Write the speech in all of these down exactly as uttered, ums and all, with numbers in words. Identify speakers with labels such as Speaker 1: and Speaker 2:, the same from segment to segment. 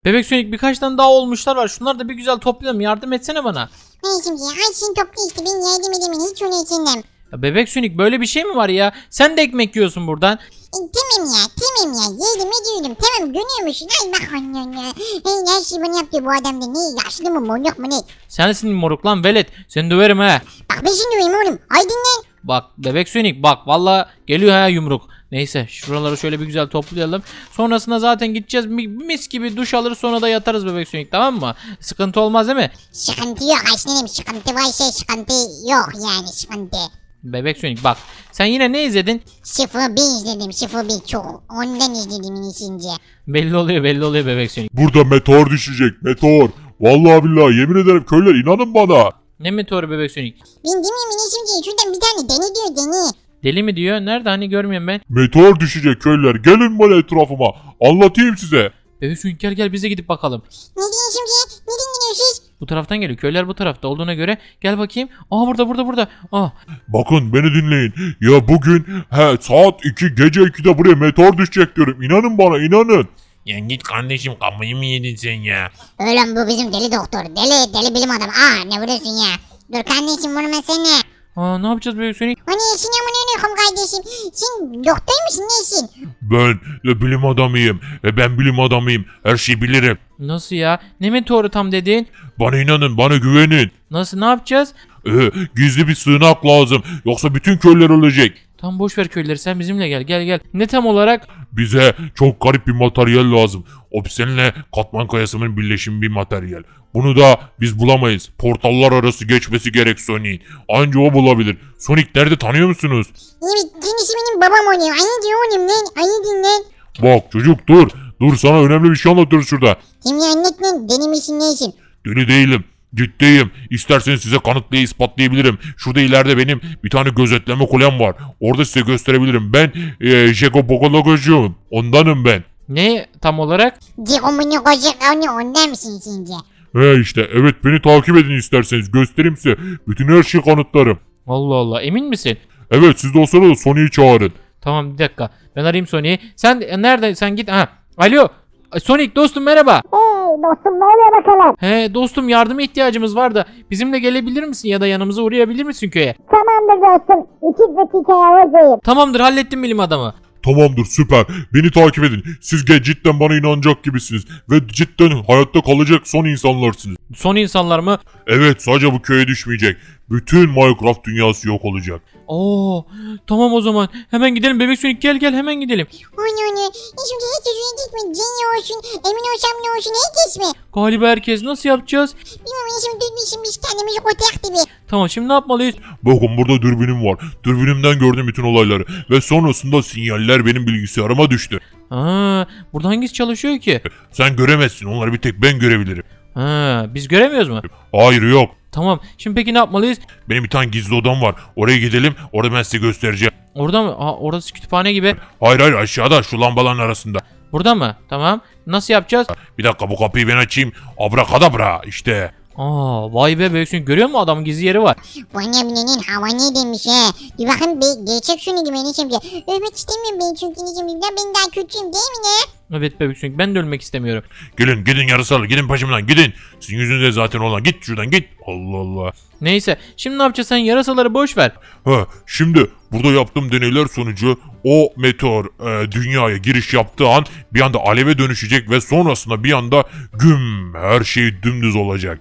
Speaker 1: Bebek Sonic birkaç tane daha olmuşlar var. Şunları da bir güzel toplayalım. Yardım etsene bana.
Speaker 2: Ben şimdi her şeyi topla işte ben yardım edemin hiç onu içinden.
Speaker 1: Ya Bebek Sonic böyle bir şey mi var ya? Sen de ekmek yiyorsun buradan.
Speaker 2: E, tamam ya tamam ya yedim ediyorum tamam görüyor musun ay bak annen ya. Hey, her şeyi bana yapıyor bu adam da ne yaşlı mı monyok mu ne?
Speaker 1: Sensin moruk lan velet. Seni döverim he.
Speaker 2: Bak ben şimdi uyum oğlum ay dinlen.
Speaker 1: Bak Bebek Sonic bak valla geliyor ha yumruk. Neyse şuraları şöyle bir güzel toplayalım. Sonrasında zaten gideceğiz mis gibi duş alırız sonra da yatarız Bebek Sonic tamam mı? Sıkıntı olmaz değil mi?
Speaker 2: Sıkıntı yok aslanım sıkıntı var şey sıkıntı yok yani sıkıntı.
Speaker 1: Bebek Sonic bak sen yine ne izledin?
Speaker 2: Sıfır bir izledim sıfır bir çok ondan izledim ikinci.
Speaker 1: Belli oluyor belli oluyor Bebek Sonic.
Speaker 3: Burada meteor düşecek meteor. Vallahi billahi yemin ederim köylüler inanın bana.
Speaker 1: Ne meteoru Bebek Sonic?
Speaker 2: Ben demiyorum ikinci şuradan bir tane deni diyor deni.
Speaker 1: Deli mi diyor? Nerede hani görmüyorum ben.
Speaker 3: Meteor düşecek köylüler gelin bana etrafıma. Anlatayım size.
Speaker 1: Bebek Sonic gel gel bize gidip bakalım.
Speaker 2: Ne diyorsun şimdi neden gidiyorsunuz?
Speaker 1: Bu taraftan geliyor. Köyler bu tarafta olduğuna göre gel bakayım. Aa burada burada burada. Aa
Speaker 3: Bakın beni dinleyin. Ya bugün he, saat iki gece ikide buraya meteor düşecek diyorum. İnanın bana inanın.
Speaker 4: Ya git kardeşim kafayı mı yedin sen ya?
Speaker 2: Oğlum bu bizim deli doktor deli deli bilim adamı aa ne vuruyorsun ya? Dur kardeşim vurma seni.
Speaker 1: Aa ne yapacağız Bebek Sonic?
Speaker 2: O ne işin amına ne kardeşim? Sen doktor musun nesin?
Speaker 3: Ben e, bilim adamıyım. E, ben bilim adamıyım. Her şeyi bilirim.
Speaker 1: Nasıl ya? Ne meteoru tam dedin?
Speaker 3: Bana inanın bana güvenin.
Speaker 1: Nasıl ne yapacağız?
Speaker 3: E, gizli bir sığınak lazım. Yoksa bütün köyler ölecek.
Speaker 1: Tam boş ver köyleri sen bizimle gel gel gel. Ne tam olarak?
Speaker 3: Bize çok garip bir materyal lazım. Obsidianle katman kayasının birleşimi bir materyal. Bunu da biz bulamayız. Portallar arası geçmesi gerek Sonic'in. Anca o bulabilir. Sonic nerede tanıyor musunuz?
Speaker 2: Evet kendisi benim babam oluyor. Ayı diyor oğlum lan ayı dinlen.
Speaker 3: Bak çocuk dur. Dur sana önemli bir şey anlatıyoruz şurada.
Speaker 2: Şimdi anlat lan deli misin nesin?
Speaker 3: Deli değilim. Ciddiyim. İsterseniz size kanıtlayıp ispatlayabilirim. Şurada ileride benim bir tane gözetleme kulem var. Orada size gösterebilirim. Ben ee, Jeko Pokologocuyum. Ondanım ben.
Speaker 1: Ne tam olarak?
Speaker 2: Dikomunu kocak onu ondan mısın şimdi?
Speaker 3: He işte evet beni takip edin isterseniz. Göstereyim size. Bütün her şeyi kanıtlarım.
Speaker 1: Allah Allah emin misin?
Speaker 3: Evet siz de o sırada Sonic'i çağırın.
Speaker 1: Tamam bir dakika. Ben arayayım Sonic'i. Sen e, nerede? Sen git. Ha. Alo. Sonic dostum merhaba.
Speaker 2: Hey dostum ne oluyor bakalım?
Speaker 1: He dostum yardıma ihtiyacımız var da bizimle gelebilir misin ya da yanımıza uğrayabilir misin köye?
Speaker 2: Tamamdır dostum. İki dakikaya hazırım.
Speaker 1: Tamamdır hallettim bilim adamı.
Speaker 3: Tamamdır süper. Beni takip edin. Siz ge- cidden bana inanacak gibisiniz. Ve cidden hayatta kalacak son insanlarsınız.
Speaker 1: Son insanlar mı?
Speaker 3: Evet sadece bu köye düşmeyecek. Bütün Minecraft dünyası yok olacak.
Speaker 1: Oo tamam o zaman. Hemen gidelim Bebek Sonic gel gel hemen gidelim.
Speaker 2: O ne o ne? Şimdi hiç yüzüne gitme. Cenni olsun. Emin olsam ne olsun herkes mi?
Speaker 1: Galiba herkes nasıl yapacağız?
Speaker 2: Bilmiyorum şimdi düşmüşüm biz kendimizi kotak gibi.
Speaker 1: Tamam şimdi ne yapmalıyız?
Speaker 3: Bakın burada dürbünüm var. Dürbünümden gördüm bütün olayları. Ve sonrasında sinyaller benim bilgisayarıma düştü.
Speaker 1: Aa, burada hangisi çalışıyor ki?
Speaker 3: Sen göremezsin onları bir tek ben görebilirim.
Speaker 1: Ha, biz göremiyoruz mu?
Speaker 3: Hayır yok.
Speaker 1: Tamam. Şimdi peki ne yapmalıyız?
Speaker 3: Benim bir tane gizli odam var. Oraya gidelim. Orada ben size göstereceğim.
Speaker 1: Orada mı? Aa, orası kütüphane gibi.
Speaker 3: Hayır hayır aşağıda şu lambaların arasında.
Speaker 1: Burada mı? Tamam. Nasıl yapacağız?
Speaker 3: Bir dakika bu kapıyı ben açayım. Abrakadabra işte.
Speaker 1: Aa, vay be Bebek Sonic görüyor musun adamın gizli yeri var.
Speaker 2: Bana binenin hava ne demiş he. Bir bakın be, gerçek şunu gibi ne şimdi. Ölmek istemiyorum ben çünkü ne şimdi. Ben daha kötüyüm değil mi ne?
Speaker 1: Evet Bebek Sonic ben de ölmek istemiyorum.
Speaker 3: Gelin gidin yarısalı gidin peşimden gidin. Sizin yüzünüzde zaten olan git şuradan git. Allah Allah.
Speaker 1: Neyse şimdi ne yapacağız sen yarasaları boş ver.
Speaker 3: Ha, şimdi burada yaptığım deneyler sonucu o meteor e, dünyaya giriş yaptığı an bir anda aleve dönüşecek ve sonrasında bir anda güm her şey dümdüz olacak.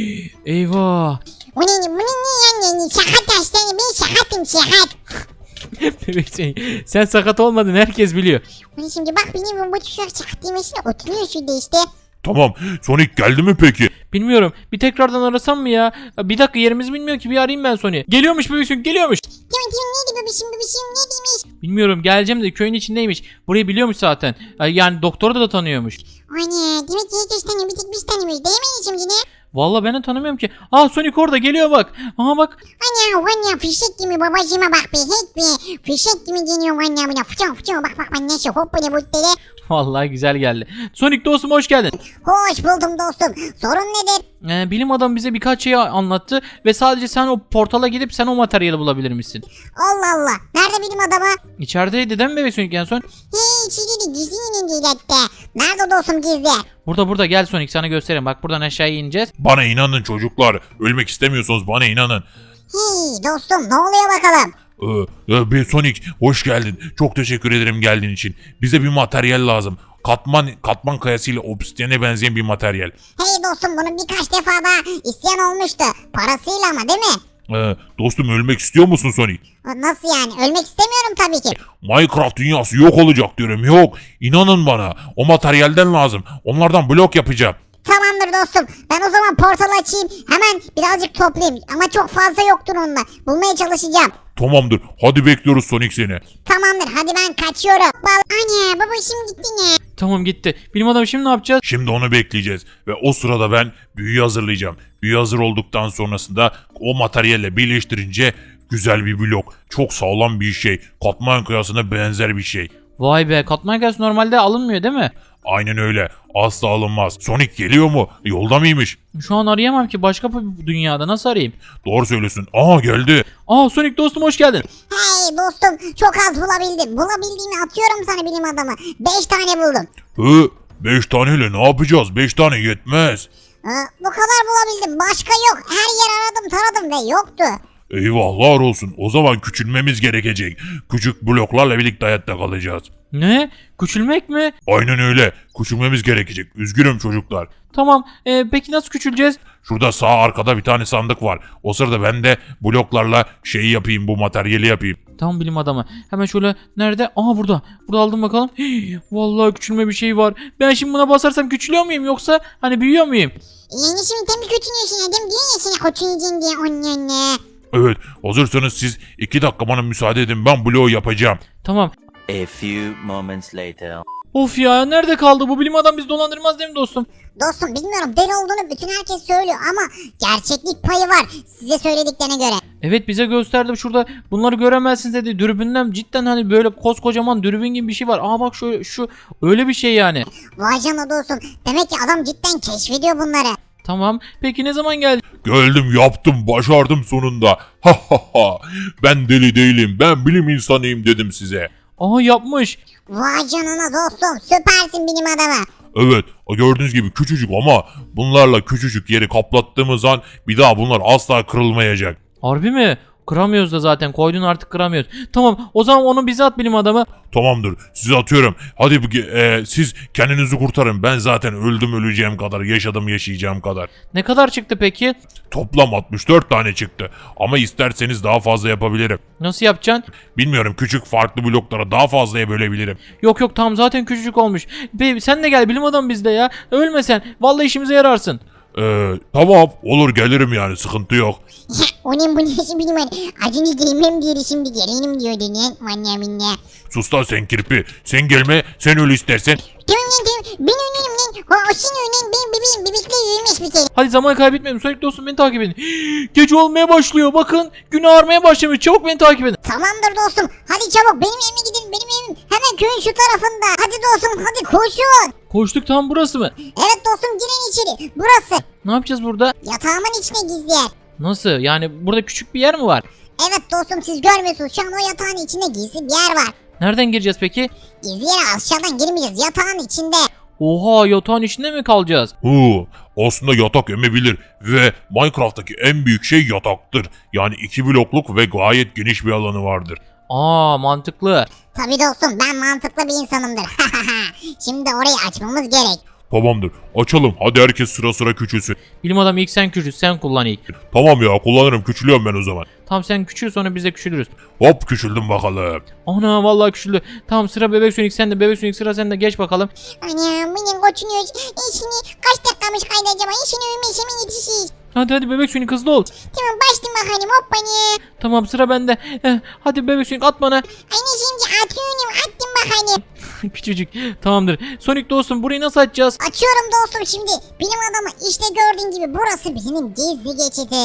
Speaker 1: Eyvah.
Speaker 2: Bu ne bu ne ne yani sakat hastane ben sakatım sakat.
Speaker 1: Bebek Sonic sen sakat olmadın herkes biliyor.
Speaker 2: Bu ne şimdi bak benim bu tuşlar sakat demesine oturuyor şurada işte.
Speaker 3: Tamam Sonic geldi mi peki?
Speaker 1: Bilmiyorum bir tekrardan arasam mı ya? Bir dakika yerimizi bilmiyor ki bir arayayım ben Sonic'i. Geliyormuş Bebek Sonic geliyormuş.
Speaker 2: Tamam tamam neydi bebişim bebişim ne demiş?
Speaker 1: Bilmiyorum geleceğim de köyün içindeymiş. Burayı biliyormuş zaten. Yani doktoru da tanıyormuş.
Speaker 2: O ne demek ki herkes tanıyor bir tek biz tanımıyoruz değil mi şimdi ne?
Speaker 1: Vallahi ben de tanımıyorum ki. Aa Sonic orada geliyor bak. Aha bak.
Speaker 2: Ana Ana Vanya fişek gibi babacığıma bak be hep be. Fişek gibi geliyor Vanya buna. Fıçın fıçın bak bak bak nasıl hop böyle bu dere.
Speaker 1: Vallahi güzel geldi. Sonic dostum hoş geldin.
Speaker 2: Hoş buldum dostum. Sorun nedir?
Speaker 1: Ee, bilim adamı bize birkaç şey anlattı ve sadece sen o portala gidip sen o materyali bulabilir misin?
Speaker 2: Allah Allah. Nerede bilim adamı?
Speaker 1: İçerideydi değil mi bebek Sonic en son?
Speaker 2: Hey içeri gizli inin hatta. Nerede dostum gizli?
Speaker 1: Burada burada gel Sonic sana göstereyim. Bak buradan aşağıya ineceğiz.
Speaker 3: Bana inanın çocuklar. Ölmek istemiyorsanız bana inanın.
Speaker 2: Hey dostum ne oluyor bakalım?
Speaker 3: Ee, e, bir Sonic hoş geldin. Çok teşekkür ederim geldiğin için. Bize bir materyal lazım. Katman katman kayasıyla obsidiyene benzeyen bir materyal.
Speaker 2: Hey dostum bunu birkaç defa daha isteyen olmuştu. Parasıyla ama değil mi?
Speaker 3: Ee, dostum ölmek istiyor musun Sonic?
Speaker 2: Nasıl yani? Ölmek istemiyorum tabii ki.
Speaker 3: Minecraft dünyası yok olacak diyorum. Yok. İnanın bana. O materyalden lazım. Onlardan blok yapacağım.
Speaker 2: Tamamdır dostum. Ben o zaman portal açayım. Hemen birazcık toplayayım. Ama çok fazla yoktur onunla. Bulmaya çalışacağım.
Speaker 3: Tamamdır. Hadi bekliyoruz Sonic seni.
Speaker 2: Tamamdır. Hadi ben kaçıyorum. Bal Anne babacığım gitti ne?
Speaker 1: Tamam gitti. Bilim adamı şimdi ne yapacağız?
Speaker 3: Şimdi onu bekleyeceğiz. Ve o sırada ben büyüyü hazırlayacağım. Büyü hazır olduktan sonrasında o materyalle birleştirince güzel bir blok. Çok sağlam bir şey. Katman kayasına benzer bir şey.
Speaker 1: Vay be katman kayası normalde alınmıyor değil mi?
Speaker 3: Aynen öyle. Asla alınmaz. Sonic geliyor mu? Yolda mıymış?
Speaker 1: Şu an arayamam ki başka bir dünyada nasıl arayayım?
Speaker 3: Doğru söylüyorsun. Aa geldi.
Speaker 1: Aa Sonic dostum hoş geldin.
Speaker 2: Hey dostum çok az bulabildim. Bulabildiğimi atıyorum sana bilim adamı. Beş tane buldum.
Speaker 3: Hı? Beş taneyle ne yapacağız? Beş tane yetmez.
Speaker 2: Ee, bu kadar bulabildim. Başka yok. Her yer aradım taradım ve yoktu.
Speaker 3: Eyvahlar olsun. O zaman küçülmemiz gerekecek. Küçük bloklarla birlikte hayatta kalacağız.
Speaker 1: Ne? Küçülmek mi?
Speaker 3: Aynen öyle. Küçülmemiz gerekecek. Üzgünüm çocuklar.
Speaker 1: Tamam. Ee, peki nasıl küçüleceğiz?
Speaker 3: Şurada sağ arkada bir tane sandık var. O sırada ben de bloklarla şeyi yapayım, bu materyali yapayım.
Speaker 1: Tamam bilim adamı. Hemen şöyle nerede? Aha burada. Burada aldım bakalım. Hii, vallahi küçülme bir şey var. Ben şimdi buna basarsam küçülüyor muyum yoksa hani büyüyor muyum?
Speaker 2: Yani şimdi tam bir kötünüyorsun adam diyor ya sana kötüneceksin diye onun anne.
Speaker 3: Evet, hazırsanız siz iki dakika bana müsaade edin. Ben bloğu yapacağım.
Speaker 1: Tamam.
Speaker 5: A few moments later.
Speaker 1: Of ya nerede kaldı bu bilim adam bizi dolandırmaz değil mi dostum?
Speaker 2: Dostum bilmiyorum deli olduğunu bütün herkes söylüyor ama gerçeklik payı var size söylediklerine göre.
Speaker 1: Evet bize gösterdi şurada bunları göremezsiniz dedi. Dürbünden cidden hani böyle koskocaman dürbün gibi bir şey var. Aa bak şu, şu öyle bir şey yani.
Speaker 2: Vay canına dostum demek ki adam cidden keşfediyor bunları.
Speaker 1: Tamam peki ne zaman geldi?
Speaker 3: Geldim, yaptım, başardım sonunda. Ha ha ha. Ben deli değilim, ben bilim insanıyım dedim size.
Speaker 1: Aa yapmış.
Speaker 2: Vay canına dostum süpersin bilim adamı.
Speaker 3: Evet, gördüğünüz gibi küçücük ama bunlarla küçücük yeri kaplattığımız an bir daha bunlar asla kırılmayacak.
Speaker 1: Harbi mi? Kıramıyoruz da zaten koydun artık kıramıyoruz. Tamam o zaman onu bize at bilim adamı.
Speaker 3: Tamamdır, size atıyorum. Hadi bu- e, siz kendinizi kurtarın. Ben zaten öldüm öleceğim kadar, yaşadım yaşayacağım kadar.
Speaker 1: Ne kadar çıktı peki?
Speaker 3: Toplam altmış dört tane çıktı. Ama isterseniz daha fazla yapabilirim.
Speaker 1: Nasıl yapacaksın?
Speaker 3: Bilmiyorum, küçük farklı bloklara daha fazlaya bölebilirim.
Speaker 1: Yok yok tamam zaten küçücük olmuş. Be, sen de gel bilim adamı bizde ya. Ölme sen. Vallahi işimize yararsın.
Speaker 3: Ee, tamam, olur gelirim yani, sıkıntı yok.
Speaker 2: Onun bu nesi bilim adamı. Acını gelmem diyor şimdi gelelim diyor denen. Vanya minne.
Speaker 3: Sus lan sen kirpi. Sen gelme, sen öl istersen.
Speaker 2: Tamam lan tamam ben önlerim lan. O, o senin önen benim bebeğim bebekle yürümüş bir kere.
Speaker 1: Hadi zaman kaybetmeyelim. Sonic dostum beni takip edin. Gece olmaya başlıyor. Bakın gün ağarmaya başlamış. Çabuk beni takip edin.
Speaker 2: Tamamdır dostum. Hadi çabuk benim evime gidin. Benim evim hemen köyün şu tarafında. Hadi dostum hadi koşun.
Speaker 1: Koştuk tam burası mı?
Speaker 2: Evet dostum girin içeri. Burası.
Speaker 1: Ne yapacağız burada?
Speaker 2: Yatağımın içine gizli yer.
Speaker 1: Nasıl? Yani burada küçük bir yer mi var?
Speaker 2: Evet dostum siz görmüyorsunuz. Şu an o yatağın içinde gizli bir yer var.
Speaker 1: Nereden gireceğiz peki?
Speaker 2: Gizli yere aşağıdan girmeyeceğiz. Yatağın içinde.
Speaker 1: Oha yatağın içinde mi kalacağız?
Speaker 3: Hu, aslında yatak emebilir ve Minecraft'taki en büyük şey yataktır. Yani iki blokluk ve gayet geniş bir alanı vardır.
Speaker 1: Aa mantıklı.
Speaker 2: Tabii dostum ben mantıklı bir insanımdır. Şimdi orayı açmamız gerek.
Speaker 3: Tamamdır, açalım. Hadi herkes sıra sıra küçülsün.
Speaker 1: Bilim adamı ilk sen küçül. Sen kullan ilk.
Speaker 3: Tamam ya, kullanırım, küçülüyorum ben o zaman.
Speaker 1: Tamam sen küçül sonra biz de küçülürüz.
Speaker 3: Hop, küçüldüm bakalım.
Speaker 1: Ana vallahi küçüldü. Tamam sıra bebek Sonic sende. Bebek Sonic sıra sende. Geç bakalım.
Speaker 2: Anam benim koçunuyor. İşini kaç dakikamış kaydı acaba? İşini övmeyse mi yetişir?
Speaker 1: Hadi hadi bebek Sonic hızlı ol.
Speaker 2: Tamam başlayayım bakalım hoppani.
Speaker 1: Tamam sıra bende. Eh, hadi bebek Sonic at bana.
Speaker 2: Anne şimdi atıyorum attım bakalım.
Speaker 1: Küçücük. Tamamdır. Sonic dostum burayı nasıl açacağız?
Speaker 2: Açıyorum dostum şimdi. Bilim adamı işte gördüğün gibi burası benim gizli geçidim.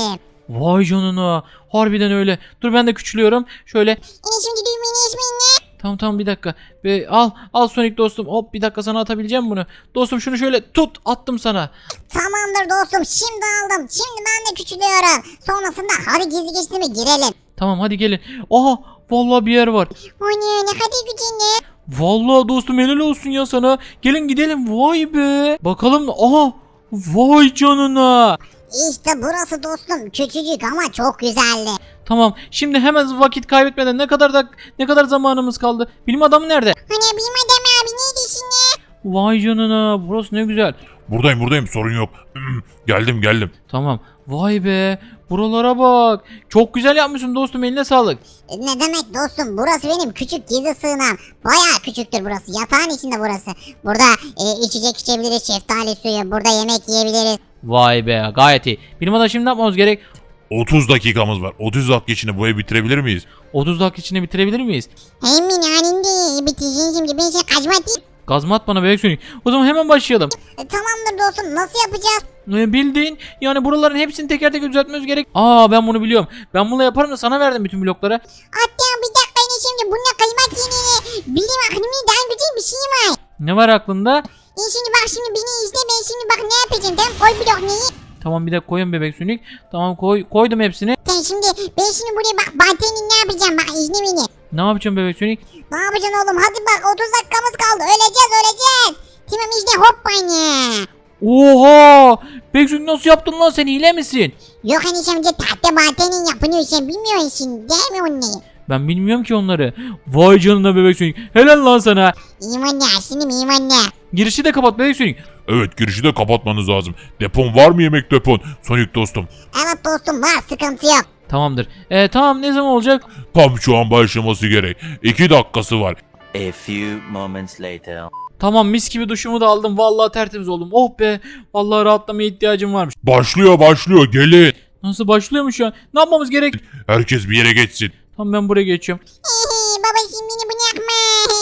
Speaker 1: Vay canına. Harbiden öyle. Dur ben de küçülüyorum. Şöyle.
Speaker 2: Enişim gidiyorum enişim ne?
Speaker 1: Tamam tamam bir dakika. Ve al al Sonic dostum. Hop bir dakika sana atabileceğim bunu. Dostum şunu şöyle tut attım sana.
Speaker 2: Tamamdır dostum şimdi aldım. Şimdi ben de küçülüyorum. Sonrasında hadi gizli geçtiğime girelim.
Speaker 1: Tamam hadi gelin. Aha vallahi bir yer var.
Speaker 2: O ne ne kadar güzel.
Speaker 1: Vallahi dostum helal olsun ya sana. Gelin gidelim vay be. Bakalım aha. Vay canına.
Speaker 2: İşte burası dostum küçücük ama çok güzeldi.
Speaker 1: Tamam şimdi hemen vakit kaybetmeden ne kadar da ne kadar zamanımız kaldı? Bilim adamı nerede?
Speaker 2: Hani benim adam abi neydi şimdi?
Speaker 1: Vay canına burası ne güzel.
Speaker 3: Buradayım buradayım sorun yok. geldim geldim.
Speaker 1: Tamam. Vay be. Buralara bak. Çok güzel yapmışsın dostum eline sağlık.
Speaker 2: E, Ne demek dostum burası benim küçük gizli sığınağım. Baya küçüktür burası yatağın içinde burası. Burada e, içecek içebiliriz şeftali suyu burada yemek yiyebiliriz.
Speaker 1: Vay be gayet iyi. Bilim adamı şimdi ne yapmamız gerek?
Speaker 3: otuz dakikamız var. otuz dakika içinde bu evi bitirebilir miyiz?
Speaker 1: otuz dakika içinde bitirebilir miyiz?
Speaker 2: Emin anindi biteceksin şimdi ben şey kaçma değil.
Speaker 1: Gazma at bana bebek sönük. O zaman hemen başlayalım.
Speaker 2: E, tamamdır dostum nasıl yapacağız?
Speaker 1: Ee, bildiğin yani buraların hepsini teker teker düzeltmemiz gerek. Aa ben bunu biliyorum. Ben bunu yaparım da sana verdim bütün blokları.
Speaker 2: Hatta bir dakika yine şimdi bununla kaymak yeni bilim aklımda daha güzel bir şey var.
Speaker 1: Ne var aklında?
Speaker 2: E şimdi bak şimdi beni izle ben şimdi bak ne yapacağım tamam koy blok neyi?
Speaker 1: Tamam bir dakika koyun bebek sönük. Tamam koy koydum hepsini.
Speaker 2: Sen şimdi ben şimdi buraya bak Balten'in ne yapacağım bak izle beni.
Speaker 1: Ne yapacağım bebek sönük?
Speaker 2: Ne yapacaksın oğlum hadi bak otuz dakikamız kaldı öleceğiz öleceğiz. Tamam izle hop bana.
Speaker 1: Oha! Bebek sönük nasıl yaptın lan sen hile misin?
Speaker 2: Yok enişte amca tahta Balten'in yapılıyor sen bilmiyorsun değil mi onu?
Speaker 1: Ben bilmiyorum ki onları. Vay canına bebek sönük. Helal lan sana.
Speaker 2: İyiyim anne aslında iyiyim anne.
Speaker 1: Girişi de kapat bebek sönük.
Speaker 3: Evet girişi de kapatmanız lazım. Depon var mı yemek depon? Sonic dostum.
Speaker 2: Evet dostum var sıkıntı yok.
Speaker 1: Tamamdır. Ee, tamam ne zaman olacak?
Speaker 3: Tam şu an başlaması gerek. iki dakikası var.
Speaker 5: A few moments later.
Speaker 1: Tamam mis gibi duşumu da aldım. Vallahi tertemiz oldum. Oh be. Vallahi rahatlamaya ihtiyacım varmış.
Speaker 3: Başlıyor başlıyor gelin.
Speaker 1: Nasıl başlıyormuş ya? Ne yapmamız gerek?
Speaker 3: Herkes bir yere geçsin.
Speaker 1: Tamam ben buraya geçiyorum.
Speaker 2: Baba şimdi beni bunu yakma.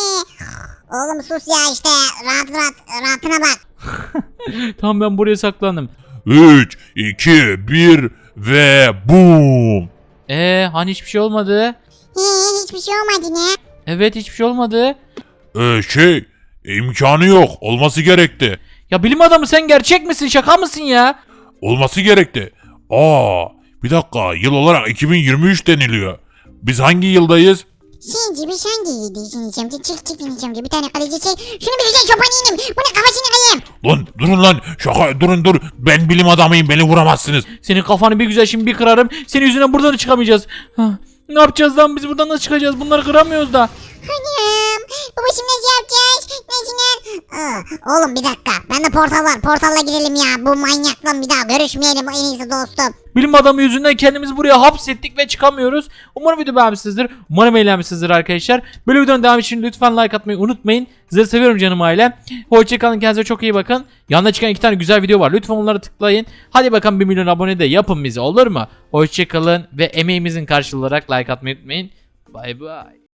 Speaker 2: Oğlum sus ya işte rahat rahat rahatına bak.
Speaker 1: Tamam ben buraya saklandım.
Speaker 3: üç, iki, bir ve boom.
Speaker 1: Ee hani hiçbir şey olmadı?
Speaker 2: He, hiçbir şey olmadı ne?
Speaker 1: Evet hiçbir şey olmadı.
Speaker 3: Ee, şey imkanı yok. Olması gerekti.
Speaker 1: Ya bilim adamı sen gerçek misin? Şaka mısın ya?
Speaker 3: Olması gerekti. Aa, bir dakika yıl olarak iki bin yirmi üç deniliyor. Biz hangi yıldayız?
Speaker 2: Şimdi bir sen giydiğin için çık çık ineceğim bir tane kaleci şey. Şunu bir güzel çoban yiyeyim. Bunu kafasını kayayım.
Speaker 3: Lan durun lan. Şaka durun dur. Ben bilim adamıyım. Beni vuramazsınız.
Speaker 1: Senin kafanı bir güzel şimdi bir kırarım. Senin yüzünden buradan çıkamayacağız. Hah, ne yapacağız lan biz buradan nasıl çıkacağız? Bunları kıramıyoruz da.
Speaker 2: Anam. Baba şimdi nasıl yapacağız? Nasıl lan? Aa, oğlum bir dakika. Bende portal var. Portalla girelim ya. Bu manyakla bir daha görüşmeyelim en iyisi dostum.
Speaker 1: Bilim adamı yüzünden kendimizi buraya hapsettik ve çıkamıyoruz. Umarım video beğenmişsinizdir. Umarım eğlenmişsinizdir arkadaşlar. Böyle videonun devamı için lütfen like atmayı unutmayın. Sizleri seviyorum canım ailem. Hoşçakalın, kendinize çok iyi bakın. Yanına çıkan iki tane güzel video var. Lütfen onları tıklayın. Hadi bakalım bir milyon abone de yapın bizi olur mu? Hoşçakalın ve emeğimizin karşılığı olarak like atmayı unutmayın. Bay bay.